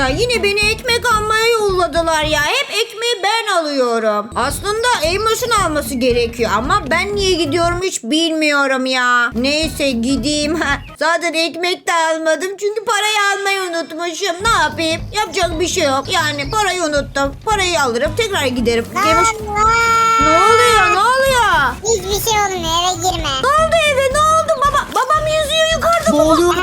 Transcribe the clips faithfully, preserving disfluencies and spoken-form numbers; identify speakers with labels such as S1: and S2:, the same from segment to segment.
S1: Ya yine beni ekmek almaya yolladılar ya. Hep ekmeği ben alıyorum. Aslında Eymoş'un alması gerekiyor ama ben niye gidiyorum hiç bilmiyorum ya. Neyse gideyim. Zaten ekmek de almadım çünkü parayı almayı unutmuşum. Ne yapayım? Yapacak bir şey yok. Yani parayı unuttum. Parayı alırım tekrar giderim. Eymoş... Ne oluyor? Ne oluyor?
S2: Hiçbir şey olmuyor, eve girme.
S1: Ne oldu eve? Ne oldu? Baba, babam yüzüyor yukarıda.
S3: Ne
S1: Baba.
S3: oluyor?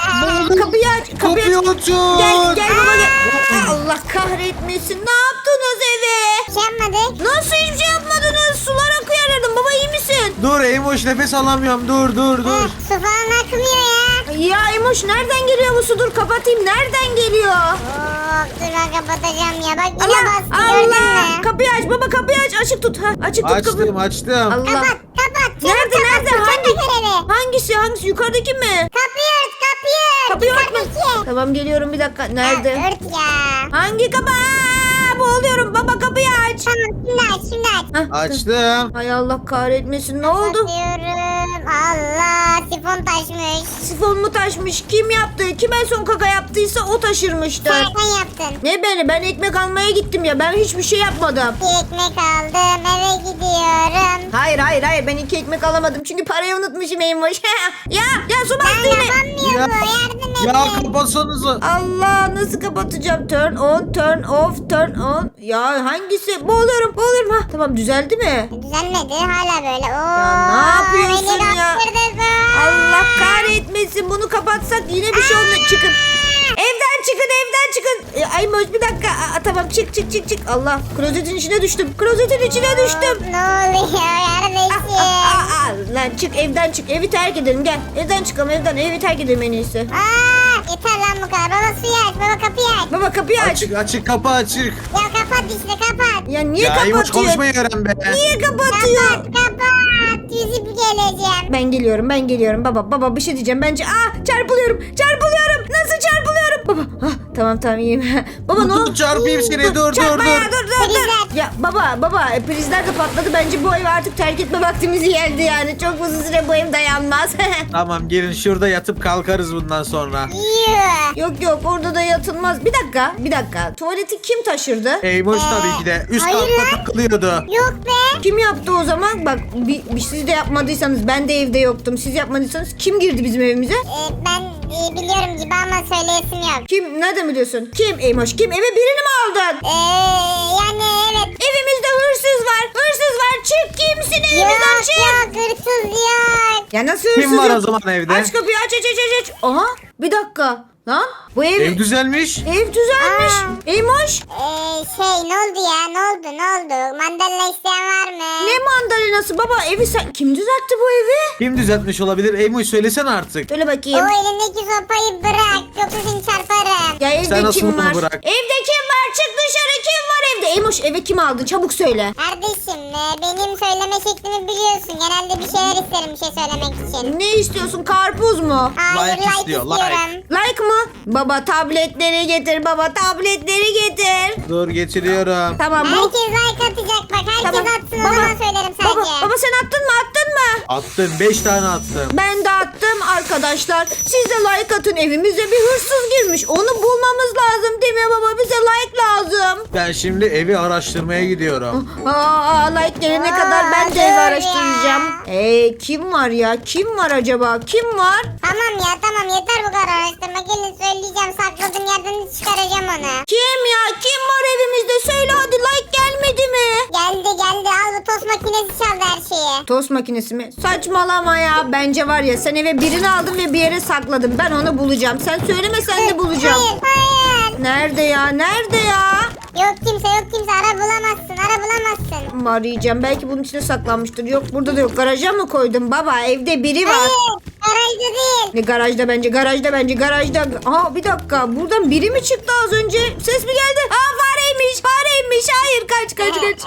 S1: Kapıyı aç. Kapıyı aç.
S3: Kapıyı açın.
S1: Gel gel baba gel. Allah kahretmesin. Ne yaptınız eve?
S2: Şey yapmadık.
S1: Nasıl hiçbir şey yapmadınız? Sular akıyor aradım. Baba iyi misin?
S3: Dur Eymoş, nefes alamıyorum. Dur dur dur.
S2: Su falan akmıyor ya.
S1: Ya Emoş nereden geliyor bu su? Dur kapatayım. Nereden geliyor?
S2: Oh, dur ben kapatacağım ya. Bak yine
S1: Allah
S2: bastı, gördün
S1: Allah.
S2: mü?
S1: Kapıyı aç baba kapıyı aç. Açık tut. Ha, açık tut
S3: Açtım
S1: kapıyı.
S3: açtım.
S1: Allah.
S2: Kapat kapat. çabuk
S1: Nerede
S2: kapat,
S1: nerede?
S2: su
S1: Hangi?
S2: çabuk eve.
S1: Hangisi hangisi? Yukarıdaki mi?
S2: Kapıyı ört kapıyı ört.
S1: Kapıyı örtme.
S2: Yukarıdaki.
S1: Tamam geliyorum bir dakika. Nerede?
S2: Ha, ört ya.
S1: Hangi kapı? Aa, boğuluyorum. Baba kapıyı aç.
S2: Tamam şimdi aç şimdi aç.
S1: Hah,
S3: Açtım.
S1: Hay Allah kahretmesin. Ne oldu?
S2: Kapatıyorum. Allah sifon taşmış.
S1: Sifon mu taşmış? Kim yaptı? Kim en son kaka yaptıysa o taşırmıştır.
S2: Sen yaptın.
S1: Ne beni? Ben ekmek almaya gittim ya. Ben hiçbir şey yapmadım.
S2: Bir ekmek aldım eve gidiyorum.
S1: Hayır hayır hayır. Ben iki ekmek alamadım. Çünkü parayı unutmuşum Eymoş. ya ya su bastı
S2: Ben
S1: yine.
S2: yapamıyor
S3: Ya,
S2: bu yardım edin.
S3: ya kapatsanıza.
S1: Allah nasıl kapatacağım? Turn on, turn off, turn on. Ya hangisi? Boğuluyorum, boğuluyorum. Ha, tamam düzeldi mi?
S2: Düzenmedi hala böyle. Oo,
S1: Ya ne yapıyorsun
S2: beni
S1: ya?
S2: kaptırdın.
S1: Allah kahretmesin. Bunu kapatsak yine bir şey olmuyor. Çıkın. Evden çıkın, evden çıkın. E, Aymoş bir dakika. Aa, tamam çık çık çık çık. Allah klozetin içine düştüm. Klozetin içine düştüm.
S2: Ne oluyor yardım
S1: Aa,
S2: edin.
S1: aa, lan çık evden çık. Evi terk edelim gel. Evden çıkalım evden. Evi terk edelim en iyisi.
S2: Aa, yeter lan bu kadar. Baba suyu aç. Baba kapıyı aç.
S1: Baba kapıyı aç.
S3: Açık açık kapı açık.
S2: Ya kapat işte kapat.
S1: Ya niye
S3: Ya Eymoş
S1: kapatıyor?
S3: konuşmayı öğren be.
S1: Niye kapatıyor?
S2: Kapat kapat. Yüzüp geleceğim.
S1: Ben geliyorum ben geliyorum baba baba bir şey diyeceğim bence aa çarpılıyorum çarpılıyorum nasıl çarpılıyorum baba ah, tamam tamam iyiyim baba ne
S3: Dur,
S1: oldu
S3: çarpayım seni, dur, dur,
S1: çarpma ya,
S3: dur.
S1: dur dur dur
S2: Prizler.
S1: ya baba baba e, prizler de patladı bence bu evi artık terk etme vaktimiz geldi yani çok uzun süre bu ev dayanmaz
S3: Tamam gelin şurada yatıp kalkarız bundan sonra.
S2: Yuh.
S1: yok yok orada da yatılmaz bir dakika bir dakika tuvaleti kim taşırdı
S3: Eymoş
S2: Ee,
S3: tabii ki de. Üst
S2: hayır
S3: katta
S2: lan.
S3: takılıyordu.
S2: Yok be.
S1: kim yaptı o zaman bak bir, bir siz de yapmadıysanız ben de evde yoktum siz yapmadıysanız kim girdi bizim evimize
S2: Ee, ben e, biliyorum gibi ama söyleyesim yok.
S1: kim nereden biliyorsun kim Eymoş kim eve birini mi aldın
S2: Ee, yani evet.
S1: Evimizde hırsız var. Hırsız var. Çık kimsin evimizden
S2: Yok
S1: çık.
S2: yok hırsız yok.
S1: Ya nasıl hırsız
S3: Kim var
S1: yok?
S3: o zaman evde?
S1: Aç kapıyı aç aç aç aç. aç. Aha bir dakika. Lan bu ev,
S3: Ev düzelmiş.
S1: ev düzelmiş.
S2: Aa.
S1: Eymoş.
S2: Ee, şey ne oldu ya ne oldu ne oldu? Mandalina isteyen var mı?
S1: Ne mandalinası baba evi sen kim düzeltti bu evi?
S3: Kim düzeltmiş olabilir? Eymoş söylesene artık.
S1: Söyle
S2: O
S1: bakayım.
S2: elindeki sopayı bırak yoksa seni çarparım.
S1: Ya evde
S3: Sen nasıl
S1: kim
S3: bunu
S1: var?
S3: bırak?
S1: Evde kim var? Çık dışarı kim var evde? Eymoş eve kim aldı? Çabuk söyle.
S2: Kardeşim e, benim söyleme şeklimi biliyorsun. Genelde bir şeyler isterim bir şey söylemek için.
S1: Ne istiyorsun? Karpuz mu?
S2: Hayır
S3: Like
S2: like,
S3: istiyor,
S2: istiyorum.
S1: Like mı? Baba tabletleri getir baba tabletleri getir.
S3: Dur getiriyorum.
S1: Tamam bu.
S2: Herkes like atacak bak herkes
S1: Tamam.
S2: atsın o zaman söylerim sadece.
S1: Baba, baba sen attın mı attın mı?
S3: Attım. Beş tane attım.
S1: Ben de attım arkadaşlar. Siz de like atın evimize bir hırsız girmiş. Onu bulmamız lazım değil mi baba? Bize like lazım.
S3: Ben şimdi evi araştırmaya gidiyorum.
S1: Aa, like gelene
S2: Aa,
S1: kadar ben de
S2: dur
S1: evi
S2: ya.
S1: araştıracağım. Ee, kim var ya? Kim var acaba? Kim var?
S2: Tamam ya tamam yeter bu kadar araştırma. Gelin söyleyeceğim sakladığım yerden çıkaracağım onu.
S1: Kim ya? Kim var evimizde? Söyle hadi like gelmedi mi?
S2: Geldi geldi al bu tost makinesi çaldı her şeyi.
S1: Tost makinesi mi? Saçmalama ya. Bence var ya sen eve birini aldın ve bir yere sakladın. Ben onu bulacağım. Sen söylemesen de bulacağım.
S2: Hayır hayır.
S1: Nerede ya? Nerede ya?
S2: Yok kimse yok kimse ara bulamazsın ara bulamazsın.
S1: Arayacağım. Belki bunun içine saklanmıştır. Yok burada da yok. Garaja mı koydun baba? Evde biri var.
S2: Hayır garajda değil.
S1: Ne garajda bence. Garajda bence. Garajda. Aa bir dakika. Buradan biri mi çıktı az önce? Ses mi geldi? Aa fareymiş. Fareymiş. Hayır kaç kaç kaç.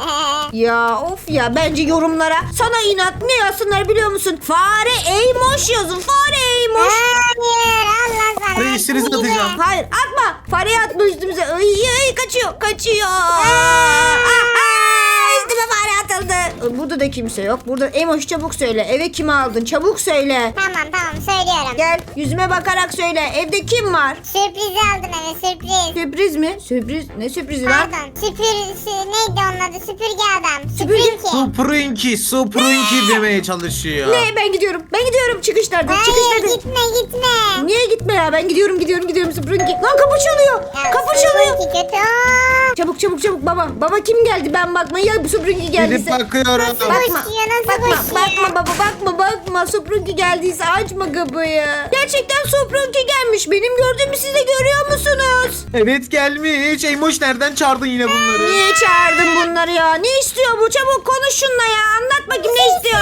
S1: Ya of ya bence yorumlara sana inat ne yazsınlar biliyor musun? Fare Eymoş yazın. Fare Eymoş.
S2: Hayır Allah sana.
S3: Reisinizi
S2: Gidin.
S3: atacağım.
S1: Hayır atma. Fareyi atma üstümüze. Ay, ay, kaçıyor. Kaçıyor. Aa, aa, üstüme fare atıldı. kaldı. Burada da kimse yok. Burada Emoş çabuk söyle. Eve kimi aldın? Çabuk söyle.
S2: Tamam tamam söylüyorum.
S1: Gel yüzüme bakarak söyle. Evde kim var?
S2: Sürprizi aldım eve sürpriz.
S1: Sürpriz mi? Sürpriz? Ne sürprizi lan?
S2: Pardon süpür sü- neydi onun adı süpürge adam.
S1: Süpürge?
S2: Süpürge.
S3: Suprinki, Suprinki demeye çalışıyor.
S1: Ne? Ben gidiyorum. Ben gidiyorum. Çıkış nerede? Çıkış
S2: Hayır
S1: nerede?
S2: gitme gitme.
S1: Niye gitme ya? Ben gidiyorum gidiyorum gidiyorum Süpürge. Lan kapı çalıyor.
S2: Ya,
S1: Kapı çalıyor.
S2: Süpürge kötü. Aa,
S1: Çabuk çabuk çabuk baba. Baba kim geldi? Ben bakmaya ya bu Süpürge
S3: Gidip
S1: geldiyse.
S3: bakıyorum.
S2: Nasıl
S1: Bakma.
S2: koşuyor nasıl
S1: Bakma,
S2: koşuyor?
S1: bakma baba bakma bakma. Süpürge geldiyse açma kapıyı. Gerçekten Süpürge gelmiş. Benim gördüğümü siz de görüyor musunuz?
S3: Evet gelmiş. Eymoş nereden çağırdın yine bunları?
S1: Niye çağırdın bunları ya? Ne istiyor bu? Çabuk konuş şununla ya. Anlat bakayım ne istiyor?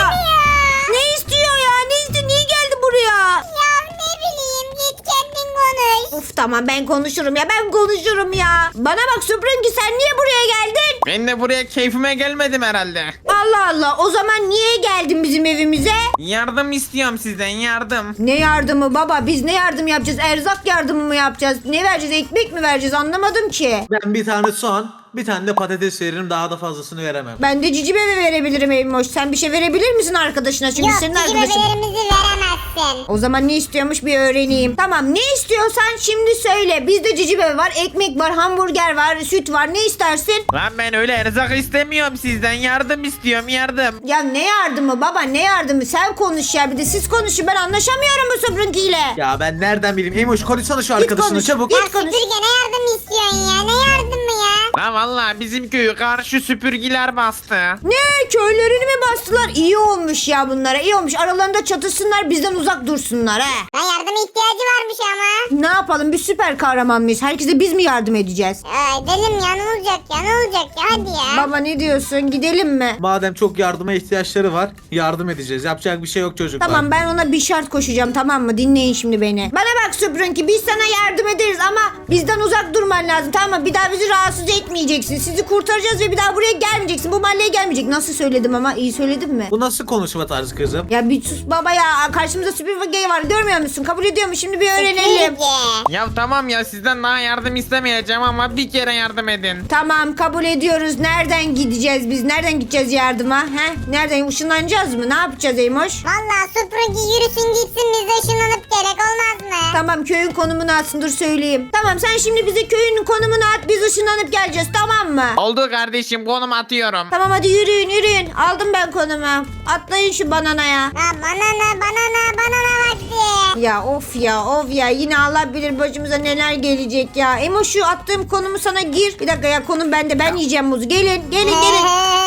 S1: Ne istiyor ya? Ne istiyor? Niye geldi buraya?
S2: Ya ne bileyim git kendin konuş.
S1: Uf tamam ben konuşurum ya. Ben konuşurum ya. Bana bak Süpürge sen niye buraya geldin?
S4: Ben de buraya keyfime gelmedim herhalde.
S1: Allah Allah. O zaman niye geldin bizim evimize?
S4: Yardım istiyorum sizden yardım.
S1: Ne yardımı baba? Biz ne yardım yapacağız? Erzak yardımı mı yapacağız? Ne vereceğiz? Ekmek mi vereceğiz? Anlamadım ki.
S3: Ben bir tane soğan, bir tane de patates veririm. Daha da fazlasını veremem.
S1: Ben de cici bebe verebilirim Eymoş. Sen bir şey verebilir misin arkadaşına? Çünkü
S2: Yok
S1: senin
S2: bizim
S1: arkadaşın.
S2: bebelerimizi veremezsin.
S1: O zaman ne istiyormuş bir öğreneyim. Tamam ne istiyorsan şimdi söyle. Bizde cici bebe var, ekmek var, hamburger var, süt var. Ne istersin?
S4: Lan ben öyle erzak istemiyorum sizden yardım istiyorum yardım.
S1: Ya ne yardımı baba ne yardımı? Sen konuş ya. Bir de siz konuşun. Ben anlaşamıyorum bu Süpürge ile.
S3: Ya ben nereden bileyim? Eymoş konuşsana şu
S1: Git
S3: arkadaşını
S1: konuş.
S3: çabuk.
S1: Git
S2: Ya
S1: konuş.
S2: süpürge ne yardım istiyorsun ya? Ne yardımı ya?
S4: Lan valla bizim köyü karşı süpürgiler bastı.
S1: Ne? Köylerini mi bastılar? İyi olmuş ya bunlara. İyi olmuş. Aralarında çatışsınlar bizden uzak dursunlar he.
S2: Ya yardıma ihtiyacı varmış ama.
S1: Ne yapalım? Biz süper kahraman mıyız? Herkese biz mi yardım edeceğiz?
S2: Ya edelim ya ne olacak ya ne olacak ya hadi ya.
S1: Baba ne diyorsun? Gidelim mi?
S3: Madem çok yardıma ihtiyaçları var, yardım edeceğiz. Yapacak bir şey yok çocuklar.
S1: Tamam ben ona bir şart koşacağım tamam mı? Dinleyin şimdi beni. Bana bak Süpürge biz sana yardım ederiz ama bizden uzak durman lazım tamam mı? Bir daha bizi rahatsız etmeyeceksin. Sizi kurtaracağız ve bir daha buraya gelmeyeceksin. Bu mahalleye gelmeyecek. Nasıl söyledim ama? İyi söyledim mi?
S3: Bu nasıl konuşma tarzı kızım?
S1: Ya bir sus baba ya. Karşımızda Süpürge var. Görmüyor musun? Kabul ediyor mu? Şimdi bir öğrenelim.
S2: Süpürge.
S4: Ya tamam ya sizden daha yardım istemeyeceğim ama bir kere yardım edin.
S1: Tamam kabul ediyoruz. Nereden gideceğiz biz? Nereden gideceğiz yardıma? He? Nereden? Işınlanacağız mı? Ne yapacağız Eymoş?
S2: Valla süpürge yürüsün gitsin biz de ışınlanıp gerek olmaz mı?
S1: Tamam köyün konumunu atsın dur söyleyeyim. Tamam sen şimdi bize köyün konumunu at biz ışınlanıp geleceğiz tamam mı?
S4: Oldu kardeşim konum atıyorum.
S1: Tamam hadi yürüyün yürüyün. Aldım ben konumu. Atlayın şu bananaya.
S2: Ha banana banana banana vakti.
S1: Ya of ya of ya yine Allah bilir başımıza neler gelecek ya. Emo şu attığım konumu sana gir. Bir dakika ya konum bende ben yiyeceğim muzu. Gelin gelin gelin.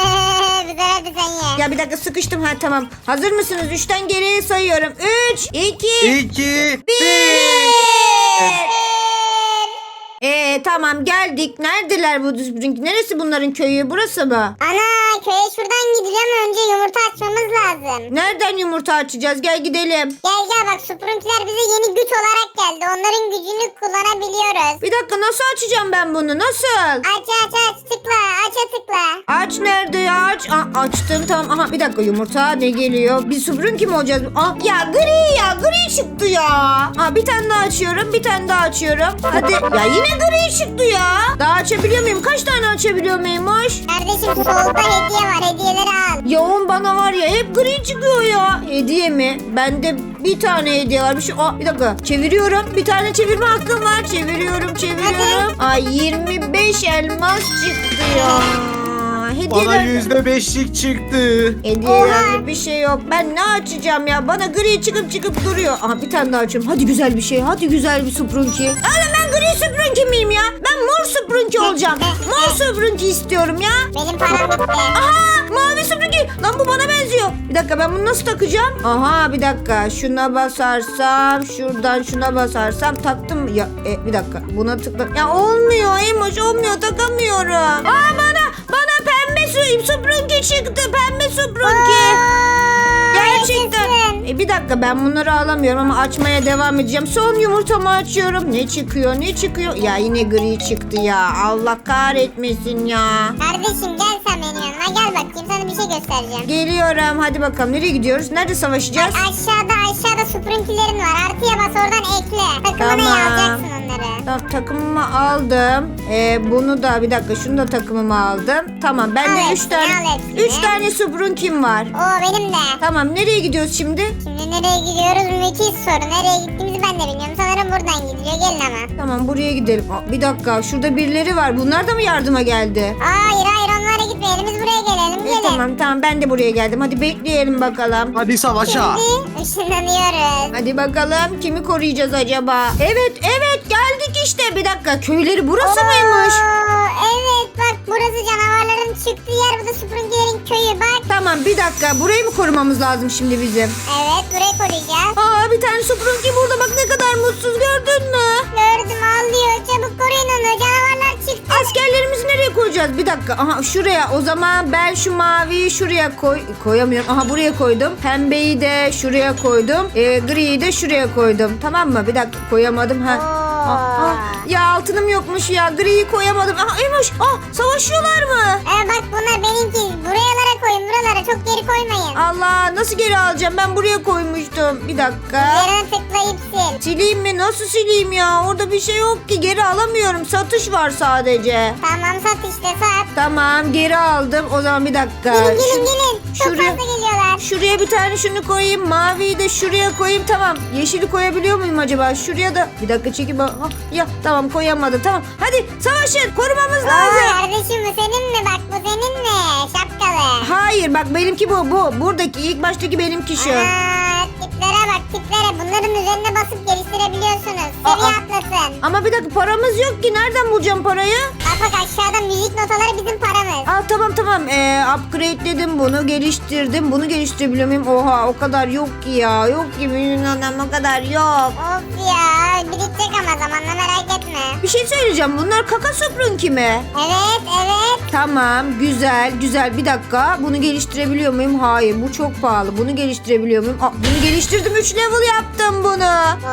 S2: Güzel hadi sen ye.
S1: Ya bir dakika sıkıştım ha tamam. Hazır mısınız? Üçten geriye sayıyorum. Üç, iki,
S3: İki,
S1: bir. Eee tamam geldik. Neredeler bu Süpürge? Neresi bunların köyü? Burası mı?
S2: Ana köye şuradan gideceğim önce yumurta açmamız lazım.
S1: Nereden yumurta açacağız? Gel gidelim.
S2: Gel gel bak süpürüntüler bize yeni güç olarak geldi. Onların gücünü kullanabiliyoruz.
S1: Bir dakika nasıl açacağım ben bunu? Nasıl?
S2: Aç aç aç tıkla aça tıkla.
S1: Aç nerede ya? Aç. Aa, açtım tamam. Aha bir dakika yumurta ne geliyor? Bir Süpürge kim olacağız? Aa, ya gri ya gri çıktı ya. Aa, bir tane daha açıyorum. Bir tane daha açıyorum. Hadi. Ya yine gri çıktı ya. Daha açabiliyor muyum? Kaç tane açabiliyor muymuş?
S2: Kardeşim solda hediye var hediyeleri al.
S1: Yoğun bana var ya hep gri çıkıyor ya. Hediye mi? Bende bir tane hediye varmış. Aa, bir dakika çeviriyorum. Bir tane çevirme hakkım var. Çeviriyorum çeviriyorum. Ay yirmi beş elmas çıktı ya.
S3: Bana
S1: Hediyeler...
S3: yüzde beşlik çıktı.
S1: Hediyelerde bir şey yok. Ben ne açacağım ya? Bana gri çıkıp çıkıp duruyor. Aha bir tane daha açıyorum. Hadi güzel bir şey. Hadi güzel bir Süpürge. Oğlum ben gri Süpürge miyim ya? Ben mor Süpürge olacağım. Mor Süpürge istiyorum ya.
S2: Benim param bitti.
S1: Aha mavi Süpürge. Lan bu bana benziyor. Bir dakika ben bunu nasıl takacağım? Aha bir dakika. Şuna basarsam şuradan şuna basarsam taktım. Ya e, bir dakika buna tıkla. Ya olmuyor Emoş olmuyor takamıyorum. Aa bana bana pembe su Süpürge çıktı. Pembe Süpürge. Gerçekten.
S2: yaşasın.
S1: E, bir dakika ben bunları alamıyorum ama açmaya devam edeceğim. Son yumurtamı açıyorum. Ne çıkıyor ne çıkıyor? Ya yine gri çıktı ya. Allah kahretmesin ya.
S2: Kardeşim gel sen sen benim yanıma. Gel bakayım sana bir şey göstereceğim.
S1: Geliyorum. Hadi bakalım. Nereye gidiyoruz? Nerede
S2: Bak
S1: savaşacağız?
S2: aşağıda aşağıda Sprinky'lerin var. Artıya bas oradan ekle. Takımına
S1: Tamam.
S2: alacaksın onları.
S1: Tamam, takımımı aldım. Ee, bunu da bir dakika şunu da takımıma aldım. Tamam bende
S2: Al
S1: üç
S2: hepsini,
S1: tane
S2: al hepsini.
S1: üç tane Sprunkin var.
S2: Oo benim de.
S1: Tamam nereye gidiyoruz şimdi?
S2: Şimdi nereye gidiyoruz? Müthiş soru. Nereye gittiğimizi ben de bilmiyorum. Sanırım buradan gidiliyor. Gelin ama.
S1: Tamam buraya gidelim. Aa, bir dakika şurada birileri var. Bunlar da mı yardıma geldi?
S2: Hayır hayır onlara gitmeyelim. Biz buraya gelelim.
S1: E,
S2: Gelin.
S1: tamam tamam ben de buraya geldim. Hadi bekleyelim bakalım.
S3: Hadi savaşa.
S2: Şimdi ışınlanıyoruz.
S1: Hadi bakalım kimi koruyacağız acaba? Evet evet geldik işte. Bir dakika köyleri burası mıymış?
S2: Oo, evet bak burası canavarların çıktığı yer. Bu da Sprinky'lerin köyü bak.
S1: Tamam bir dakika burayı mı korumamız lazım şimdi bizim?
S2: Evet burayı koruyacağız.
S1: Aa bir tane Sprunki burada bak ne kadar mutsuz gördün mü?
S2: Gördüm ağlıyor. Çabuk koruyun onu. Canavarlar çıktı.
S1: Askerlerimizi nereye koyacağız? Bir dakika. Aha şuraya. O zaman ben şu maviyi şuraya koy koyamıyorum. Aha buraya koydum. Pembeyi de şuraya koydum. Ee, griyi de şuraya koydum. Tamam mı? Bir dakika koyamadım. Ha.
S2: Oo.
S1: Ah, ah. Ya altınım yokmuş ya. Griyi koyamadım. Aha Emoş. Ah savaşıyorlar mı?
S2: Ee, bak bunlar benimki. Buralara koyun. Buralara çok geri koymayın.
S1: Allah nasıl geri alacağım? Ben buraya koymuştum. Bir dakika.
S2: Üzerine tıklayıp sil.
S1: Sileyim mi? Nasıl sileyim ya? Orada bir şey yok ki. Geri alamıyorum. Satış var sadece.
S2: Tamam sat işte sat.
S1: Tamam geri aldım. O zaman bir dakika.
S2: Gelin
S1: Şu-
S2: gelin gelin. Çok
S1: şuraya-
S2: fazla geliyorlar.
S1: Şuraya bir tane şunu koyayım. Maviyi de şuraya koyayım. Tamam. Yeşili koyabiliyor muyum acaba? Şuraya da. Bir dakika çekip. Ah, ya tamam koyamadım. Tamam. Hadi savaşın. Korumamız
S2: Oo,
S1: lazım.
S2: kardeşim bu senin mi? Bak bu senin mi? Şapkalı.
S1: Hayır bak benimki bu. Bu. Buradaki ilk baştaki benimki şu.
S2: Aa, tiplere bak tiplere. Bunların üzerine basıp geliştirebiliyorsunuz. Seviye
S1: Aa.
S2: atlasın.
S1: Ama bir dakika paramız yok ki. Nereden bulacağım parayı?
S2: Bak bak aşağıda müzik notaları bizim paramız.
S1: Aa tamam tamam. Ee, upgrade'ledim bunu. Geliştirdim. Bunu geliştirebiliyor muyum? Oha o kadar yok ki ya. Yok ki benim adam o kadar yok.
S2: Of ya birikecek ama zamanla merak etme.
S1: Bir şey söyleyeceğim. Bunlar kaka Sprunki mi?
S2: Evet evet.
S1: Tamam güzel güzel bir dakika bunu geliştirebiliyor muyum? Hayır bu çok pahalı bunu geliştirebiliyor muyum? Aa, bunu geliştirdim üç level yaptım bunu.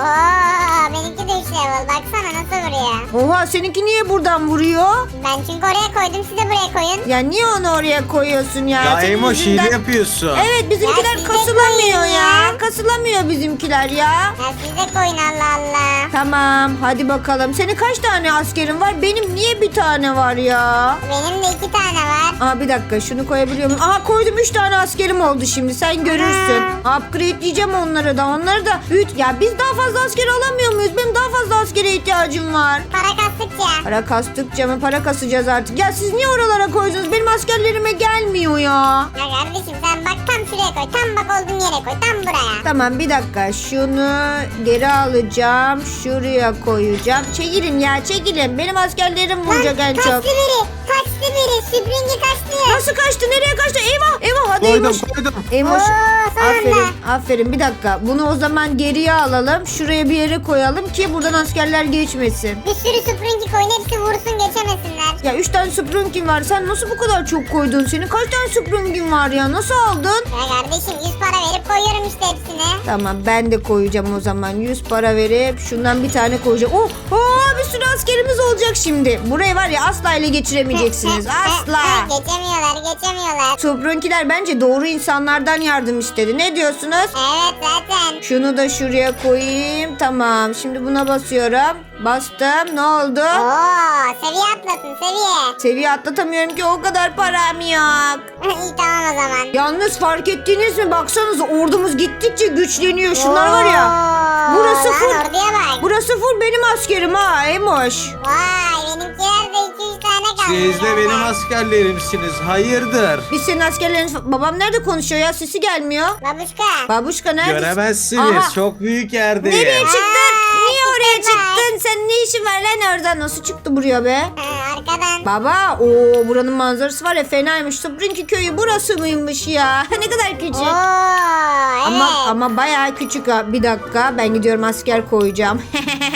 S2: Oo benimki de üç level. Baksana nasıl vuruyor.
S1: Oha seninki niye buradan vuruyor?
S2: Ben çünkü oraya koydum siz de buraya koyun.
S1: Ya niye onu oraya koyuyorsun ya?
S3: Ya
S1: Senin
S3: Emoş
S1: yüzünden-
S3: hile yapıyorsun.
S1: Evet bizimkiler
S2: Ya siz de
S1: kasılamıyor
S2: koyun
S1: ya.
S2: ya.
S1: Kasılamıyor bizimkiler ya.
S2: Ya siz de koyun Allah Allah.
S1: Tamam hadi bakalım. Senin kaç tane askerin var? Benim niye bir tane var ya?
S2: Benim de iki tane var.
S1: Aa bir dakika şunu koyabiliyor muyum? Aha koydum üç tane askerim oldu şimdi sen görürsün. Upgrade'leyeceğim onları da onları da. Üç. Ya biz daha fazla asker alamıyor muyuz? Benim daha fazla askere ihtiyacım var.
S2: Para kastıkça.
S1: Para kastıkça mı para kasacağız artık. Ya siz niye oralara koydunuz? Benim askerlerime gelmiyor ya.
S2: Ya kardeşim sen bak tam şuraya koy. Tam bak olduğun yere koy. Tam buraya.
S1: Tamam bir dakika şunu geri alacağım. Şuraya koyacağım. Çekilin ya çekilin. Benim askerlerim vuracak en
S2: kaçtı
S1: çok.
S2: biri. Kaçtı biri. Süpringi kaçtı.
S1: Nasıl kaçtı? Nereye kaçtı? Eyvah eyvah hadi
S3: Koydum
S1: Eymoş.
S3: koydum.
S1: Eymoş.
S2: Oo, son
S1: Aferin
S2: anda.
S1: aferin bir dakika. Bunu o zaman geriye alalım. Şuraya bir yere koyalım ki buradan askerler geçmesin.
S2: Bir sürü süpringi koyun. Hepsi vursun geçemesinler.
S1: Ya üç tane Sprunkin var. Sen nasıl bu kadar çok koydun? Senin kaç tane Sprunkin var ya? Nasıl aldın?
S2: Ya kardeşim yüz para verip koyuyorum işte hepsini.
S1: Tamam ben de koyacağım o zaman. yüz para verip şundan bir tane koyacağım. Oh, oh bir sürü askerimiz olacak şimdi. Burayı var ya asla ele geçiremeyeceksiniz. Asla.
S2: Geçemiyorlar geçemiyorlar.
S1: Sprunkiler bence doğru insanlardan yardım istedi. Ne diyorsunuz?
S2: Evet zaten.
S1: Şunu da şuraya koyayım. Tamam. Şimdi buna basıyorum. Bastım. Ne oldu?
S2: Oo seviye atlasın seviye.
S1: Seviye atlatamıyorum ki o kadar param yok.
S2: İyi tamam o zaman.
S1: Yalnız fark ettiniz mi? Baksanıza ordumuz gittikçe güçleniyor. Şunlar var ya.
S2: Oo,
S1: Burası
S2: lan
S1: full.
S2: orduya bak.
S1: Burası full benim askerim ha Emoş.
S2: Vay benimkiler de iki üç tane kaldı.
S3: Siz de benim askerlerimsiniz. Hayırdır?
S1: Biz senin askerlerin... Babam nerede konuşuyor ya? Sesi gelmiyor.
S2: Babuşka.
S1: Babuşka nerede?
S3: Göremezsiniz.
S1: Aha.
S3: Çok büyük yerdeyim.
S1: Nereye çıktın?
S2: Aa,
S1: Niye oraya
S2: çıktı bak.
S1: çıktın? Sen ne işin var lan orada? Nasıl çıktı buraya be?
S2: Ha, arkadan.
S1: Baba o buranın manzarası var ya fenaymış. Sprinki köyü burası mıymış ya? Ne kadar küçük.
S2: Oo evet.
S1: Ama ama bayağı küçük ha. Bir dakika ben gidiyorum asker koyacağım.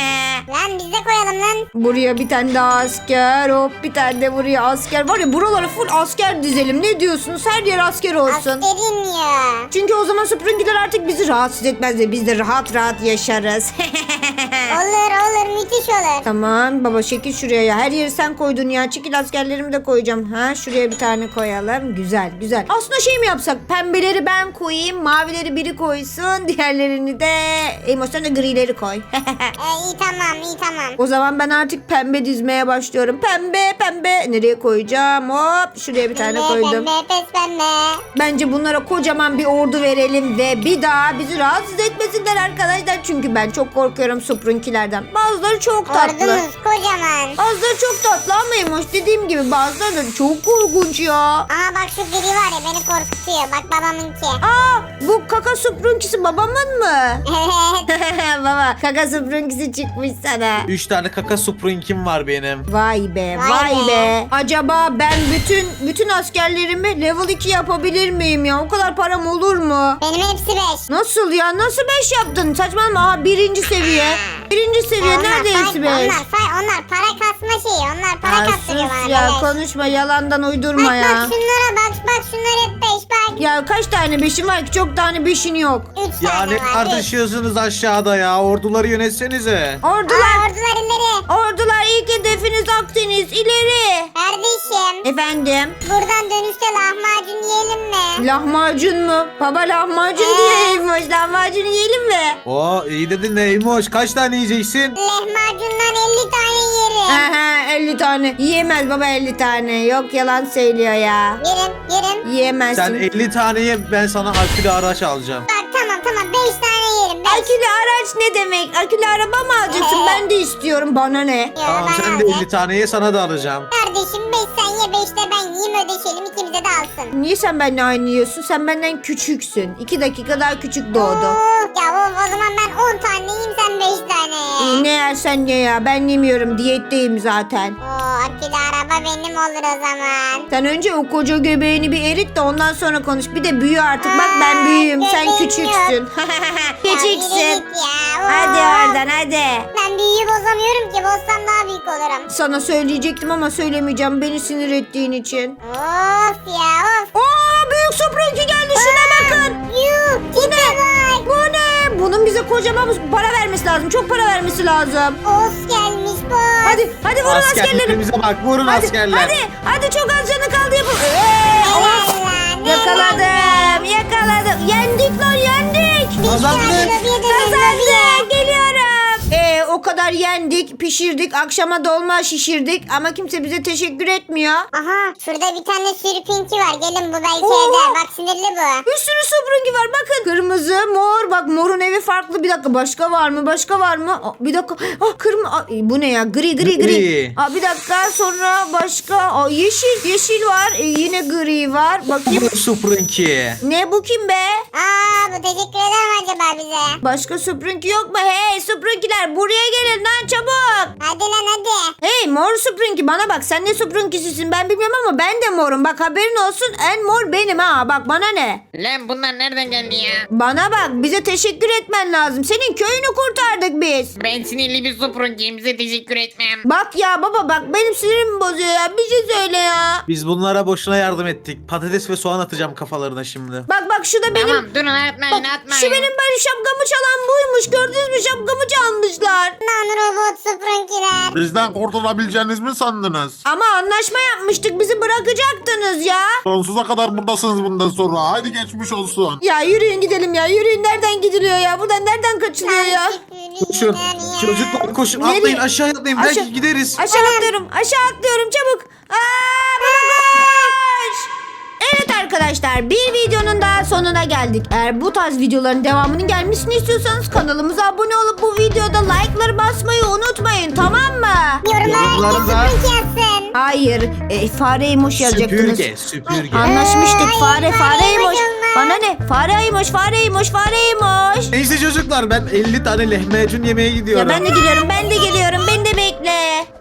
S2: Lan biz de koyalım lan.
S1: Buraya bir tane daha asker. Hop bir tane de buraya asker. Var ya buralara full asker dizelim. Ne diyorsunuz? Her yer asker olsun.
S2: Askerin ya.
S1: Çünkü o zaman süpürgeler artık bizi rahatsız etmez ve biz de rahat rahat yaşarız.
S2: Olur olur müthiş olur.
S1: Tamam baba şekil şuraya ya. Her yeri sen koydun ya. Çekil askerlerimi de koyacağım. Ha şuraya bir tane koyalım. Güzel güzel. Aslında şey mi yapsak? Pembeleri ben koyayım. Mavileri biri koysun. Diğerlerini de Emoş'tan da grileri koy.
S2: Ee, iyi tamam iyi tamam.
S1: O zaman ben artık pembe dizmeye başlıyorum. Pembe pembe. Nereye koyacağım? Hop şuraya bir tane
S2: Pembe,
S1: koydum.
S2: Pembe pes pembe.
S1: Bence bunlara kocaman bir ordu verelim ve bir daha bizi rahatsız etmesinler arkadaşlar. Çünkü ben çok korkuyorum Sprunkilerden. Bazıları çok tatlı.
S2: Ordumuz kocaman.
S1: Bazıları çok tatlı ama Emoş dediğim gibi bazıları da çok korkunç ya.
S2: Aha bak şu biri var ya beni korkutuyor. Bak babamınki.
S1: Aa bu kaka Sprunkisi babamın mı?
S2: Evet.
S1: Baba kaka Sprunkisi çıkmış sana.
S3: Üç tane kaka Sprunk'im var benim.
S1: Vay be
S2: Vay
S1: vay
S2: be.
S1: be. Acaba ben bütün bütün askerlerimi level iki yapabilir miyim ya? O kadar param olur mu?
S2: Benim hepsi beş.
S1: Nasıl ya? Nasıl beş yaptın? Saçmalama. Aha birinci seviye. Birinci seviye.
S2: Onlar
S1: Nerede
S2: fay-
S1: hepsi beş?
S2: Onlar fay, onlar para kasma şeyi. Onlar para
S1: Ya
S2: kastırıyor
S1: sus
S2: bana.
S1: ya
S2: beleş.
S1: konuşma yalandan uydurma
S2: Bak
S1: ya.
S2: bak şunlara bak bak şunlar hep beş bak.
S1: Ya kaç tane beşin var ki? Çok tane beşin yok.
S2: Üç
S3: Ya
S2: tane
S3: ne
S2: var. üç.
S3: tartışıyorsunuz aşağıda ya? Orduları yönetsenize.
S1: Ordular.
S2: Aa, ordular ileri.
S1: Ordular ilk hedefiniz Akdeniz. İleri.
S2: Kardeşim
S1: Efendim?
S2: buradan dönüşte lahmacun yiyelim mi?
S1: Lahmacun mu? Baba lahmacun
S2: Ee?
S1: diyeymiş. Lahmacun yiyelim mi?
S3: Oo iyi dedin Neymoş. Kaç tane yiyeceksin?
S2: Lahmacundan elli tane yerim.
S1: Aha elli tane. Yiyemez baba elli tane. Yok yalan söylüyor ya.
S2: Yerim yerim.
S1: Yiyemezsin.
S3: Sen elli taneye ben sana akülü araç alacağım.
S2: Bak tamam tamam beş tane yerim. Beş.
S1: Akülü araç ne demek? Akülü araba mı alacaksın?
S2: Ee?
S1: Ben de istiyorum. Bana ne?
S2: Ya,
S3: Tamam
S2: ben
S3: sen de
S2: alacağım.
S3: elli taneye sana da alacağım.
S2: Kardeşim beş sen ye beş de ben yiyeyim ödeşelim ikimize de alsın.
S1: Niye sen benimle aynı yiyorsun? Sen benden küçüksün. İki dakika daha küçük doğdu.
S2: Oo, ya o, o zaman ben on tane yiyeyim sen beş tane ye.
S1: Ne yersen ye ya. Ben yemiyorum. Diyetteyim zaten.
S2: Oo akülü araba benim olur o zaman.
S1: Sen önce o koca göbeğini bir erit de ondan sonra konuş. Bir de büyü artık. Bak ben
S2: Aa,
S1: büyüğüm. Sen
S2: göbeğim
S1: küçüksün.
S2: Ya yürü
S1: Küçüksün.
S2: git ya. Oo.
S1: Hadi oradan hadi.
S2: Ben büyüyü bozamıyorum ki bozsam daha büyük olurum.
S1: Sana söyleyecektim ama söylemeyeceğim. Beni sinir ettiğin için.
S2: Of ya of.
S1: Oo büyük Sprunky geldi. Şuna bakın.
S2: Yuh tipe bak.
S1: Bu ne? Bunun bize kocaman para vermesi lazım. Çok para vermesi lazım.
S2: Of gelmiş bu.
S1: Hadi hadi vurun askerlerim.
S3: Askerlerimize bak vurun
S1: Hadi
S3: askerler.
S1: hadi hadi çok az canı kaldı yapın. Ee,
S2: Helal
S1: of.
S2: lan,
S1: Yakaladım yakaladım. Yendik lan yendik.
S3: Kazandık.
S1: Kazandık. Geliyorum. Ee, o kadar yendik, pişirdik, akşama dolma şişirdik ama kimse bize teşekkür etmiyor.
S2: Aha şurada bir tane sürpinki var. Gelin bu belki
S1: Oo.
S2: eder. Bak sinirli bu.
S1: Bir sürü süpürge var bakın. Kırmızı, mor. Bak morun evi farklı. Bir dakika başka var mı? Başka var mı? Aa, bir dakika. Ah kırmızı. Bu ne ya? Gri gri gri.
S3: Gri.
S1: Aa, bir dakika sonra başka. Aa, yeşil. Yeşil var. Ee, yine gri var. Bakayım.
S3: Sprunky.
S1: Ne bu kim be?
S2: Aa bu teşekkür eder mi acaba bize?
S1: Başka süpürge yok mu? Hey süpürgeler buraya gelin lan çabuk.
S2: Hadi lan hadi.
S1: Hey mor süpürge bana bak sen ne süpürgesisin ben bilmiyorum ama ben de morum. Bak haberin olsun en mor benim ha. Bak bana ne?
S4: Lan bunlar nereden geldi ya?
S1: Bana bak bize teşekkür etmen lazım. Senin köyünü kurtardık biz.
S4: Ben sinirli bir Sprunky'yim size teşekkür etmem.
S1: Bak ya baba bak benim sinirimi bozuyor ya. Bir şey söyle ya.
S3: Biz bunlara boşuna yardım ettik. Patates ve soğan atacağım kafalarına şimdi.
S1: Bak bak şu da benim.
S4: Tamam durun atmayın
S1: Bak,
S4: atmayın.
S1: şu benim böyle şapkamı çalan buymuş. Gördünüz mü şapkamı çalmışlar.
S2: Lan robot süpürgeler.
S5: Bizden kurtulabileceğiniz mi sandınız?
S1: Ama anlaşma yapmıştık bizi bırakacaktınız ya.
S5: Sonsuza kadar buradasınız bundan sonra. Haydi geçmiş olsun.
S1: Ya yürüyün gidelim ya. Yürüyün nereden gidiliyor ya? Buradan nereden kaçılıyor ya?
S3: Koşun. Çocuklar koşun.
S1: Nereye?
S3: Atlayın aşağı atlayın.
S1: Aşağı-
S3: Belki gideriz.
S1: Aşağı atlıyorum. Aşağı atlıyorum çabuk. Aa, baba koş. Evet arkadaşlar bir videonun daha sonuna geldik. Eğer bu tarz videoların devamının gelmesini istiyorsanız kanalımıza abone olup bu videoda like'ları basmayı unutmayın tamam mı?
S2: Yorumlara
S3: Yorumlarda-
S2: herkes süpürge yazsın.
S1: Hayır e, fare emoş yazacaktınız.
S3: Süpürge. Süpürge.
S1: Anlaşmıştık
S2: Hayır,
S1: fare fare
S2: fare
S1: emoş.
S2: emoş olmaz.
S1: Bana ne? Fare emoş fare emoş fare emoş.
S3: Neyse çocuklar ben elli tane lahmacun yemeye gidiyorum.
S1: Ya ben de geliyorum ben de geliyorum beni de bekle.